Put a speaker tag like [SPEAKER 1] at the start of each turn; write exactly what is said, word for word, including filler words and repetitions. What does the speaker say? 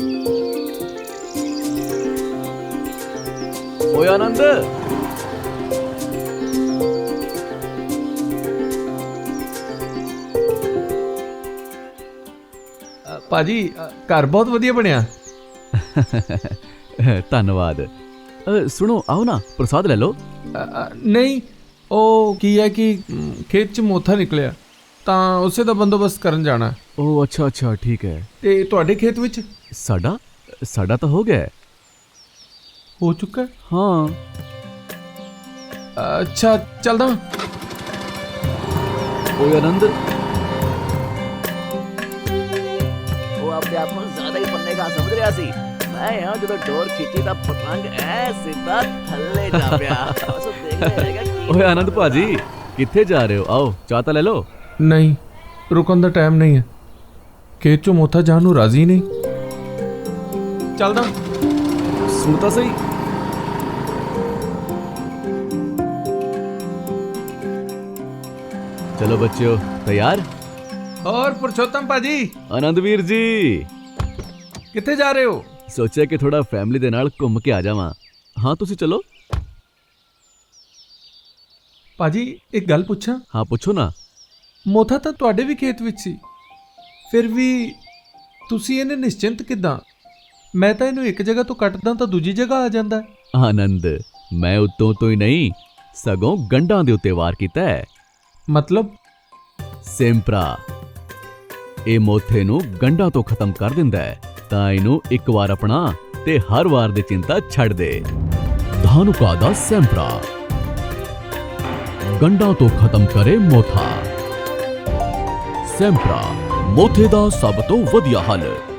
[SPEAKER 1] ਓਏ ਆਨੰਦ,
[SPEAKER 2] ਅ, ਭਾਜੀ ਅ, ਘਰ ਬਹੁਤ ਵਧੀਆ ਬਣਿਆ।
[SPEAKER 1] ਧੰਨਵਾਦ। ਅ, ਸੁਣੋ, ਆਓ ਨਾ ਪ੍ਰਸਾਦ ਲੈ ਲਓ।
[SPEAKER 2] ਅ, ਅ, ਨਹੀਂ, ਉਹ ਕੀ ਹੈ ਕਿ ਮ, ਖੇਤ 'ਚ ਮੋਥਾ ਨਿਕਲਿਆ ਤਾਂ ਉਸੇ ਦਾ ਬੰਦੋਬਸਤ ਕਰਨ ਜਾਣਾ।
[SPEAKER 1] ਓ ਅੱਛਾ ਅੱਛਾ, ਠੀਕ ਹੈ।
[SPEAKER 2] ਤੇ ਤੁਹਾਡੇ ਖੇਤ ਵਿੱਚ
[SPEAKER 1] ਸਾਡਾ ਸਾਡਾ ਤਾਂ ਹੋ ਗਿਆ ਹੈ।
[SPEAKER 2] ਹੋ ਚੁੱਕਾ ਹੈ?
[SPEAKER 1] ਹਾਂ।
[SPEAKER 2] ਅ, ਅੱਛਾ, ਚੱਲਦਾ।
[SPEAKER 1] ਓਏ ਆਨੰਦ,
[SPEAKER 3] ਉਹ ਆਪਣੇ ਆਪ ਨੂੰ ਜ਼ਿਆਦਾ ਹੀ ਪੰਨੇ ਕਾ ਸਮਝ ਰਿਹਾ ਸੀ। ਮੈਂ ਯਾਰ ਜਦੋਂ ਡੋਰ ਖਿੱਚੀ ਤਾਂ ਪਤੰਗ ਐ ਸਿੱਧਾ ਥੱਲੇ ਜਾ ਪਿਆ। ਬਸ ਉਹ ਦੇਖਦੇ ਰਹੇਗਾ ਕੀ
[SPEAKER 1] ਓਏ ਆਨੰਦ ਭਾਜੀ, ਕਿੱਥੇ ਜਾ ਰਹੇ ਹੋ? ਆਓ ਚਾਹ ਤਾਂ ਲੈ ਲਓ।
[SPEAKER 2] ਨਹੀਂ, ਰੁਕਣ ਦਾ ਟਾਈਮ ਨਹੀਂ ਹੈ। ਖੇਤ 'ਚੋਂ ਮੋਥਾ ਜਾਣ ਨੂੰ ਰਾਜ਼ੀ ਨਹੀਂ। ਚੱਲਦਾ।
[SPEAKER 1] ਸੁਣ ਤਾਂ ਸਹੀ। ਚਲੋ ਬੱਚਿਓ, ਤਿਆਰ?
[SPEAKER 2] ਹੋਰ ਪੁਰਸ਼ੋਤਮ ਭਾਜੀ,
[SPEAKER 1] ਆਨੰਦ ਵੀਰ ਜੀ,
[SPEAKER 2] ਕਿੱਥੇ ਜਾ ਰਹੇ ਹੋ?
[SPEAKER 1] ਸੋਚਿਆ ਕਿ ਥੋੜਾ ਫੈਮਿਲੀ ਦੇ ਨਾਲ ਘੁੰਮ ਕੇ ਆ ਜਾਵਾਂ। ਹਾਂ, ਤੁਸੀਂ ਚਲੋ।
[SPEAKER 2] ਭਾਜੀ, ਇੱਕ ਗੱਲ ਪੁੱਛਾਂ?
[SPEAKER 1] ਹਾਂ, ਪੁੱਛੋ ਨਾ।
[SPEAKER 2] ਮੋਥਾ ਤਾਂ ਤੁਹਾਡੇ ਵੀ ਖੇਤ ਵਿੱਚ ਸੀ, ਫਿਰ ਵੀ ਤੁਸੀਂ ਇਹਨੇ ਨਿਸ਼ਚਿੰਤ ਕਿੱਦਾਂ? ਮੈਂ ਤਾਂ ਇਹਨੂੰ ਇੱਕ ਜਗ੍ਹਾ ਤੋਂ ਕੱਟਦਾ ਤਾਂ ਦੂਜੀ ਜਗ੍ਹਾ ਆ ਜਾਂਦਾ ਹੈ।
[SPEAKER 1] ਆਨੰਦ, ਮੈਂ ਉੱਤੋਂ ਤੋਂ ਹੀ ਨਹੀਂ, ਸਗੋਂ ਗੰਢਾਂ ਦੇ ਉੱਤੇ ਵਾਰ ਕੀਤਾ ਹੈ।
[SPEAKER 2] ਮਤਲਬ?
[SPEAKER 1] ਸੈਂਪਰਾ ਇਹ ਮੋਥੇ ਨੂੰ ਗੰਢਾਂ ਤੋਂ ਖਤਮ ਕਰ ਦਿੰਦਾ ਹੈ, ਤਾਂ ਇਹਨੂੰ ਇੱਕ ਵਾਰ ਅਪਣਾ ਤੇ ਹਰ ਵਾਰ ਦੀ ਚਿੰਤਾ ਛੱਡ ਦੇ। ਧਾਨੁਕਾ ਦਾ ਸੈਂਪਰਾ ਗੰਢਾਂ ਤੋਂ ਖਤਮ ਕਰੇ ਮੋਥਾ। ਸੈਂਪਰਾ, ਮੋਥੇ ਦਾ ਸਭ ਤੋਂ ਵਧੀਆ ਹੱਲ।